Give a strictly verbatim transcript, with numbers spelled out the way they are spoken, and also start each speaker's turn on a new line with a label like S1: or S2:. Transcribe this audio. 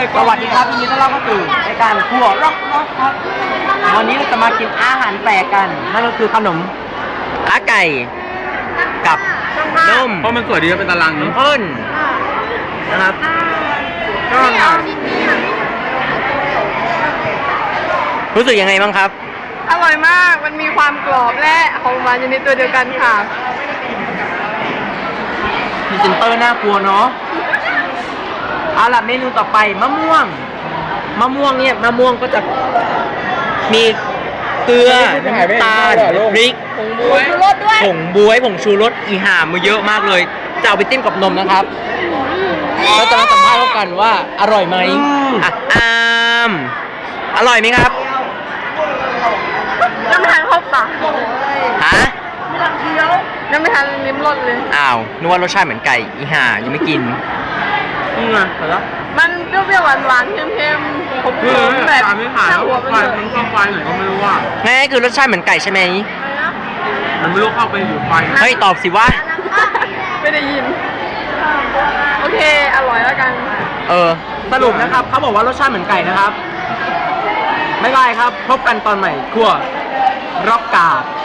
S1: สวัสดีครับยินดีต้อนรับเข้าสู่รายการครัวร็อกร็อกครับวันนี้เราจะมากินอาหารแปลกกันนั่นก็คือขนมขาไก่กับนม
S2: เพราะมันสวยดีเป็นตาราง
S1: น้ำ
S2: นี้
S1: ข้นนะครับก็รู้สึกยังไงบ้างครับ
S3: อร่อยมาก มันมีความกรอบและหอมหวานอยู่ในตัวเดียวกันค่ะ
S1: พรีเซนเตอร์น่ากลัวเนาะเอาล่ะเมนูต่อไปมะม่วงมะม่วงเนี่ยมะม่วงก็จะมีเกลือน้ำตาลพริก
S3: ผงชูรสด้วย
S1: ผงบ๊วยผงชูรสอีห่ามาเยอะมากเลยจะเอาไปจิ้มกับนมนะครับเราจะมาสัมภาษณ์กันว่าอร่อยไหมอ่ะอามอร่อยไหมครับ
S3: ยังไม่ทันเข้าปาก
S1: ฮะ
S3: ยังไม่ทันลิ้มรสเลย
S1: อ้าวนึกว่ารสชาติเหมือนไก่อีห่ายังไม่กินอืมอ่ะเหรอ
S3: มันเปรี้ยวๆหวานๆเค็มๆผมๆแบบ
S2: ตามไม่ผ่าน
S3: ช่า
S2: แล้ว
S3: งหัวไป
S2: ไฟ
S3: เลย
S2: มันเข้าไฟไหนก็ไม่รู้ว่า
S1: แม่คือรสชาติเหมือนไก่ใช่ไหม
S2: มันไม่รู้เข้าไปอยู่ไฟ
S1: เฮ้ยตอบสิวะ
S3: ไม่ได้ยิน โอเค อร่อยแล้วกัน
S1: เออสรุปนะครับเขาบอกว่ารสชาติเหมือนไก่นะครับไม่เป็นไรครับพบกันตอนใหม่ครัวร็อกกา